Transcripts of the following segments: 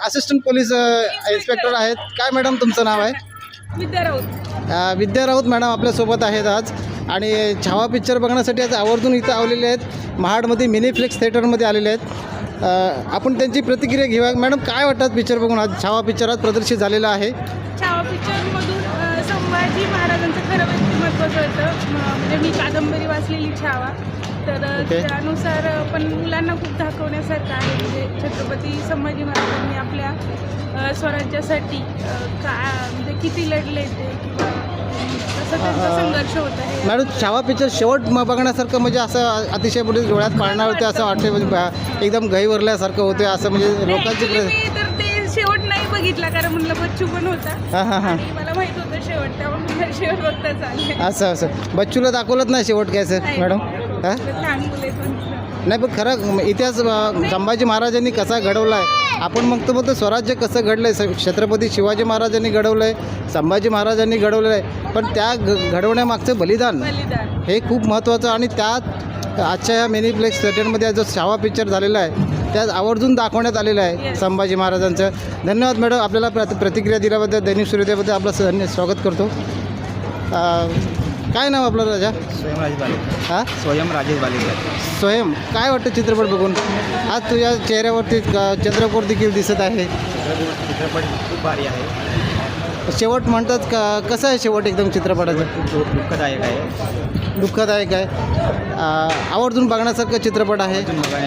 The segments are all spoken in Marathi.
असिस्टंट पोलीस इन्स्पेक्टर आहेत. काय मॅडम तुमचं नाव आहे? विद्या राऊत. विद्या राऊत मॅडम आपल्यासोबत आहेत आज. आणि छावा पिक्चर बघण्यासाठी आज आवर्जून इथं आलेले आहेत. महाडमध्ये मिनीफ्लेक्स थिएटरमध्ये आलेले आहेत. आपण त्यांची प्रतिक्रिया घेऊया. मॅडम काय वाटतात पिक्चर बघून? आज छावा पिक्चर आज प्रदर्शित झालेला आहे. छावा पिक्चरमधून संभाजी महाराजांचं खरं व्यक्तिमत्व कळतं. म्हणजे मी कादंबरी वाचलेली छावा, तर ओके. त्यानुसार पण मुलांना खूप दाखवण्यासारखं आहे. म्हणजे छत्रपती संभाजी महाराजांनी आपल्या स्वराज्यासाठी म्हणजे किती लढले ते, किंवा कसं त्यांचा संघर्ष होता आहे. मॅडम छावा पिक्चर शेवट बघण्यासारखं म्हणजे असं अतिशय म्हणजे डोळ्यात पाळणार होते असं वाटते. म्हणजे एकदम गहीवरल्यासारखं होते असं म्हणजे लोकांची मी तर ते शेवट नाही बघितला, कारण म्हणलं बच्चू पण होता हां आणि मला माहित होतं शेवट, त्यामुळे मला शेवट बघता चाललं. असं बच्चूला दाखवलंच नाही शेवट काय सर मॅडम? हां लहान मुले पण नाही पण खरं इतिहास संभाजी महाराजांनी कसा घडवला आहे. आपण म्हणतो स्वराज्य कसं घडलं आहे. छत्रपती शिवाजी महाराजांनी घडवलं आहे, संभाजी महाराजांनी घडवलेलं आहे. पण त्या घडवण्यामागचं बलिदान हे खूप महत्त्वाचं. आणि त्यात आजच्या या मिनीप्लेक्स थिएटरमध्ये जो छावा पिक्चर झालेला आहे त्यात आवर्जून दाखवण्यात आलेलं आहे संभाजी महाराजांचं. धन्यवाद मॅडम, आपल्याला प्रतिक्रिया दिल्याबद्दल दैनिक सूर्योदयाबद्दल आपलं स्वागत करतो. काय नाव आपलं राजा? स्वयं राजेश बालेकर. हां स्वयं राजेश बालेकर. स्वयं काय वाटतं चित्रपट बघून? आज तुझ्या चेहऱ्यावरती चंद्रकोर देखील दिसत आहे. चित्रपट खूप भारी आहे. शेवट म्हणतात का कसं आहे शेवट एकदम चित्रपटाचं? खूप दुःखदायक आहे. दुःखदायक आहे. आवर्जून बघण्यासारखं चित्रपट आहे.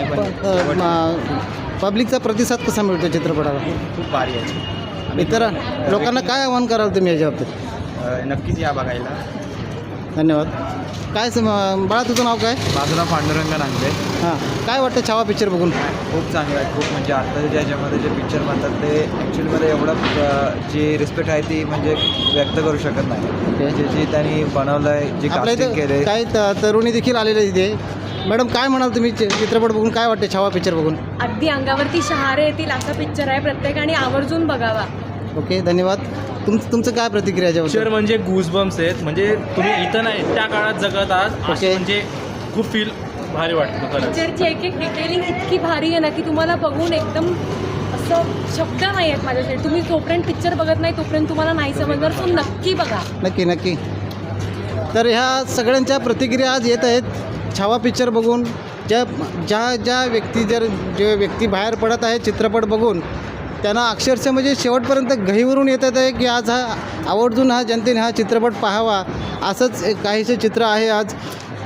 पब्लिकचा प्रतिसाद कसा मिळतो चित्रपटाला? खूप भारी आहे. इतर लोकांना काय आव्हान कराल तुम्ही याच्या बाबतीत? नक्कीच या बघायला. धन्यवाद. काय बाळा तुझं नाव काय? बाजूला पांडुरंग नांगरे. हां काय वाटतं छावा पिक्चर बघून? खूप चांगलं आहे. खूप म्हणजे आता ज्याच्यामध्ये जे पिक्चर म्हणतात ते ॲक्च्युलीमध्ये एवढं जी रिस्पेक्ट आहे ती म्हणजे व्यक्त करू शकत नाही. जे त्यांनी बनवलं आहे, जे आपल्या कास्टिंग केलं इथं आहे. काही तरुणी देखील आलेले तिथे. मॅडम काय म्हणाल तुम्ही चित्रपट बघून? काय वाटते छावा पिक्चर बघून? अगदी अंगावरती शहारे येतील असा पिक्चर आहे, प्रत्येकाने आवर्जून बघावा. ओके धन्यवाद. तुमचं काय प्रतिक्रिया याच्याबद्दल? पिक्चर म्हणजे गूजबम्स आहेत. म्हणजे तुम्ही इथं नाही त्या काळात जगत आहात ओके. असं म्हणजे खूप फील भारी वाटतं खरंच. पिक्चरची एक एक डिटेलिंग इतकी भारी आहे ना की तुम्हाला बघून एकदम असं शब्द नाही आहेत माझ्यासाठी. तुम्ही जोपर्यंत पिक्चर बघत नाही तोपर्यंत तुम्हाला नाही समजणार, तो नक्की बघा. नक्की. तर ह्या सगळ्यांच्या प्रतिक्रिया आज येत आहेत छावा पिक्चर बघून. ज्या व्यक्ती बाहेर पडत आहे चित्रपट बघून, त्यांना अक्षरशः म्हणजे शेवटपर्यंत गहीवरून येतात आहे की आज आवर्जून जनतेने हा चित्रपट पाहावा. असंच काहीसे चित्र आहे आज.